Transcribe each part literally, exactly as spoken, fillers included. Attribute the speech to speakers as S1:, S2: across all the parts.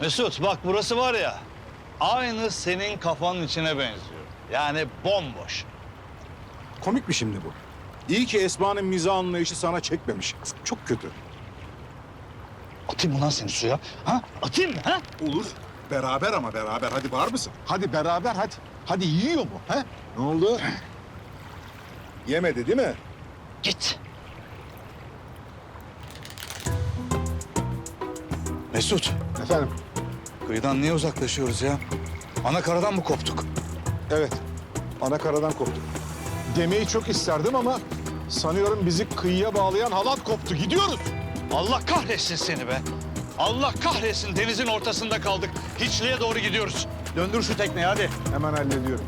S1: Mesut bak burası var ya, aynı senin kafanın içine benziyor. Yani bomboş.
S2: Komik mi şimdi bu? İyi ki Esma'nın mizah anlayışı sana çekmemiş. Çok kötü.
S1: Atayım mı lan seni suya? Ha? Atayım mı ha?
S2: Olur. Beraber ama beraber. Hadi var mısın? Hadi beraber hadi. Hadi yiyor mu? He? Ne oldu? Yemedi değil mi?
S1: Git. Mesut,
S2: Efendim?
S1: kıyıdan niye uzaklaşıyoruz ya? Ana karadan mı koptuk?
S2: Evet. Ana karadan koptuk. Demeyi çok isterdim ama sanıyorum bizi kıyıya bağlayan halat koptu. Gidiyoruz.
S1: Allah kahretsin seni be. Allah kahretsin, denizin ortasında kaldık. Hiçliğe doğru gidiyoruz. Döndür şu tekneyi hadi.
S2: Hemen hallediyorum.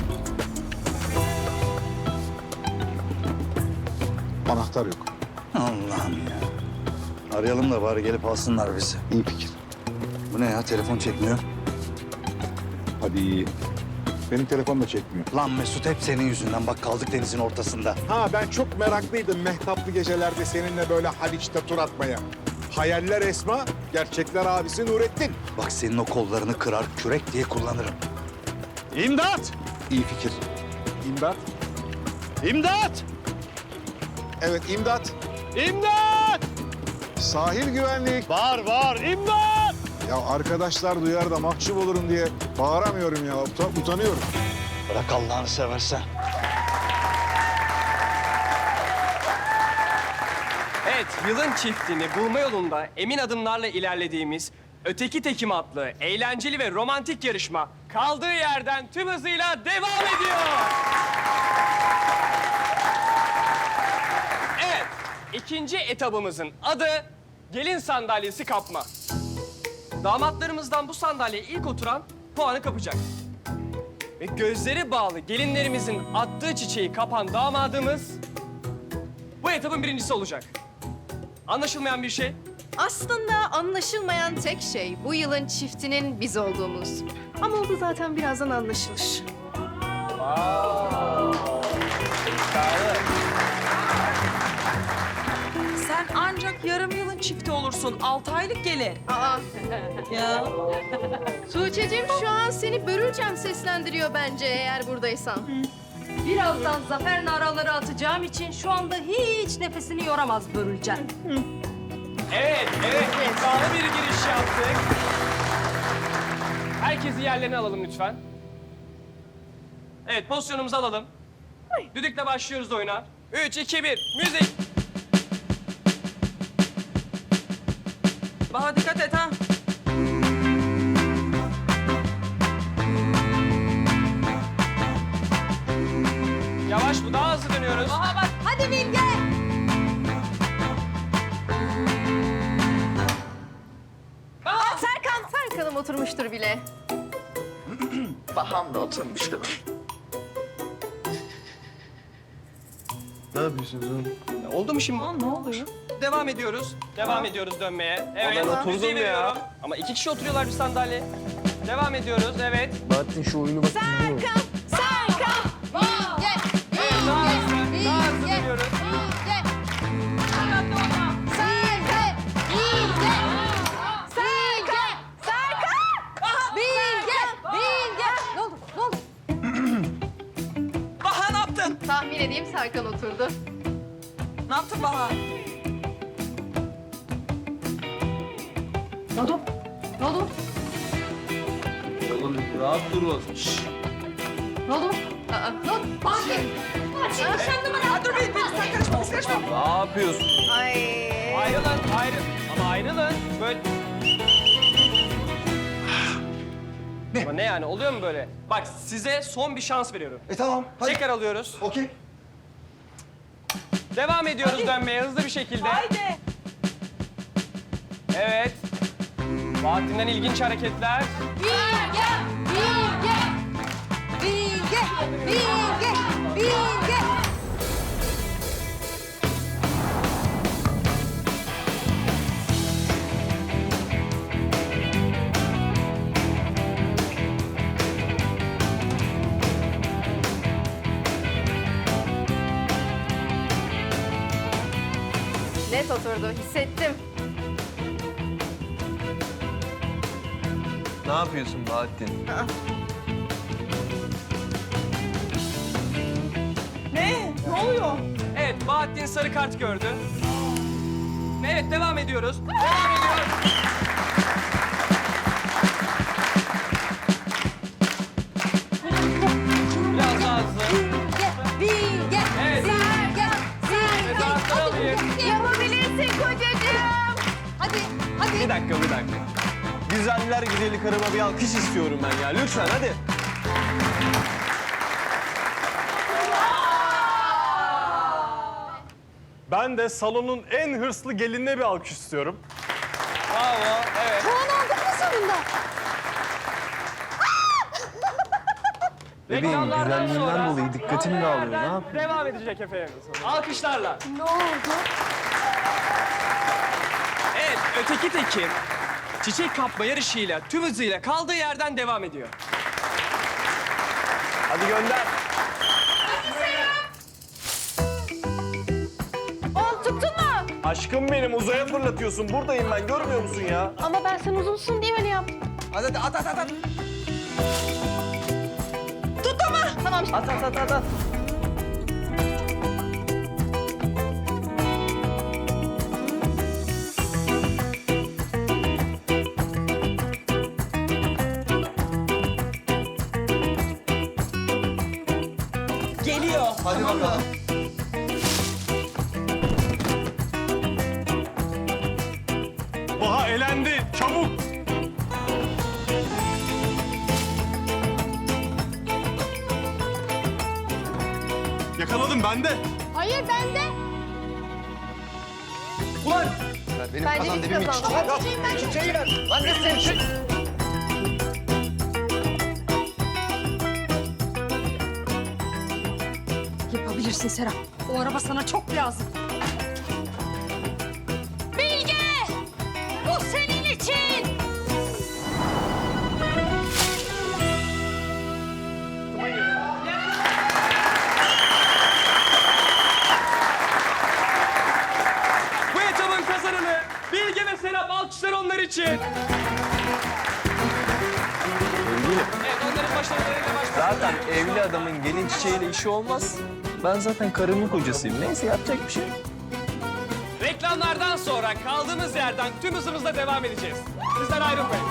S2: Anahtar yok.
S1: Allah'ım ya. Arayalım da bari gelip alsınlar bizi.
S2: İyi fikir.
S1: Bu ne ya, telefon çekmiyor.
S2: Hadi. Benim telefon da çekmiyor.
S1: Lan Mesut, hep senin yüzünden bak kaldık denizin ortasında.
S2: Ha ben çok meraklıydım mehtaplı gecelerde seninle böyle Haliç'te tur atmaya. Hayaller Esma, gerçekler abisi Nurettin.
S1: Bak senin o kollarını kırar, kürek diye kullanırım. İmdat!
S2: İyi fikir. İmdat.
S1: İmdat!
S2: Evet imdat.
S1: İmdat!
S2: Sahil güvenlik.
S1: Var var, imdat!
S2: Ya arkadaşlar duyar da mahcup olurum diye bağıramıyorum ya. Uta- utanıyorum.
S1: Bırak Allah'ını seversen.
S3: Evet, yılın çiftini bulma yolunda emin adımlarla ilerlediğimiz Öteki Tekim adlı eğlenceli ve romantik yarışma kaldığı yerden tüm hızıyla devam ediyor. Evet, ikinci etabımızın adı gelin sandalyesi kapma. Damatlarımızdan bu sandalyeye ilk oturan puanı kapacak. Ve gözleri bağlı gelinlerimizin attığı çiçeği kapan damadımız bu etabın birincisi olacak. Anlaşılmayan bir şey?
S4: Aslında anlaşılmayan tek şey bu yılın çiftinin biz olduğumuz. Ama o da zaten birazdan anlaşılır.
S5: Sen ancak yarım yılın çifti olursun. Altı aylık gelin.
S4: Aa,
S5: Ya.
S4: Tuğçe'cim şu an seni Börülcem seslendiriyor bence eğer buradaysan.
S6: Birazdan zafer naraları atacağım için şu anda hiç nefesini yoramaz Börülcem.
S3: Evet, evet. İddialı bir giriş yaptık. Herkesi yerlerine alalım lütfen. Evet, pozisyonumuzu alalım. Düdükle başlıyoruz oyuna. Üç, iki, bir, müzik.
S5: Baha dikkat et ha.
S3: Yavaş, bu daha hızlı dönüyoruz.
S6: Aha bak, hadi Bilge!
S4: Aa, Serkan, Serkan'ım oturmuştur bile.
S5: Baham da oturmuştur.
S3: Oldu mu şimdi?
S5: Ne oluyor?
S3: Devam ediyoruz. Devam ediyoruz dönmeye. Evet,
S5: ben oturdum
S3: müziği
S5: ya.
S3: veriyorum. Ama iki kişi oturuyorlar bir sandalye. Devam ediyoruz, evet.
S4: Serkan, Serkan! Bilge,
S3: Evet, daha hızlı,
S4: Bilge,
S3: daha hızlı
S4: Bilge,
S3: dönüyoruz.
S4: Bilge. Serkan, Bilge, Serkan, Serkan! Bilge, Bilge. Ne oldu, ne oldu?
S5: Baha ne yaptın?
S4: Tahmin edeyim Serkan oturdu.
S5: Ne yaptın Baha?
S6: Ne oldu? Ne oldu?
S3: Oğlum rahat durun.
S6: Ne oldu?
S4: Aa, ne oldu?
S6: Fatih! Fatih nişanlı mı?
S5: Ha, dur bir, bir sen kaçma, sen kaçma.
S3: Ne yapıyorsun?
S4: Ay.
S3: Ayrılın, ayrı. Ama ayrılın. Böyle... Ne? Ama ne yani? Oluyor mu böyle? Bak size son bir şans veriyorum.
S7: E tamam, hadi.
S3: Tekrar alıyoruz.
S7: Okey.
S3: Devam ediyoruz dönmeye hızlı bir şekilde.
S5: Haydi.
S3: Evet. Bahattin'den ilginç hareketler.
S4: Bilge, Bilge, Bilge, Bilge, Bilge. Net oturdu, hissettim.
S7: Ne yapıyorsun Bahattin?
S5: Ne? Ne oluyor?
S3: Evet, Bahattin sarı kart gördü. Evet, devam ediyoruz. Devam ediyoruz. Biraz daha hızlı.
S4: Bilge,
S3: Evet.
S4: Sergen,
S3: Tezahüratları alayım.
S4: yapabilirsin kocacığım. Hadi, hadi.
S7: Bir dakika, bir dakika. Güzeller güzeli karıma bir alkış istiyorum ben ya. Lütfen hadi.
S8: Ben de salonun en hırslı gelinine bir alkış istiyorum.
S3: Bravo, evet.
S4: Puan aldın mı sonunda?
S7: Bebeğim,
S3: Reklamlardan
S7: güzelliğinden
S3: sonra
S7: dolayı dikkatim
S3: kaldığı
S7: dağılıyor. Ne
S3: yerden
S7: yapayım?
S3: Devam edecek efendim. Alkışlarla.
S4: Ne oldu?
S3: Evet, öteki tekim çiçek kapma yarışıyla tüm hızıyla kaldığı yerden devam ediyor.
S7: Hadi gönder.
S4: Oğlum tuttun mu?
S7: Aşkım benim, uzaya fırlatıyorsun. Buradayım ben, görmüyor musun ya?
S4: Ama ben sen uzunsun diye öyle yaptım.
S7: Hadi hadi at at at at.
S4: Tamam.
S7: At at at at at.
S5: Geliyor.
S7: Hadi bakalım.
S8: Baha elendi. Çabuk. Yakaladım ben de.
S4: Hayır bende.
S7: Ulan!
S2: Benim
S4: Bence biz kazandık. Çiçeğim ben.
S7: Çiçeği ver. Lan ne sen çiçek?
S6: Yapabilirsin Serap. O araba sana çok lazım. Bilge! Bu senin için!
S3: Bu etabın kazananı Bilge ve Serap, alkışlar onlar için.
S7: Sevgilim,
S3: Evet, onların başarılarıyla başlıyoruz.
S7: zaten evli adamın gelin çiçeğiyle işi olmaz. Ben zaten karımın kocasıyım. Neyse, yapacak bir şey yok.
S3: Reklamlardan sonra kaldığımız yerden tüm hızımızla devam edeceğiz. Bizden ayrılmayın.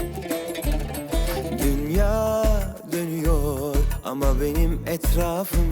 S9: Dünya dönüyor ama benim etrafım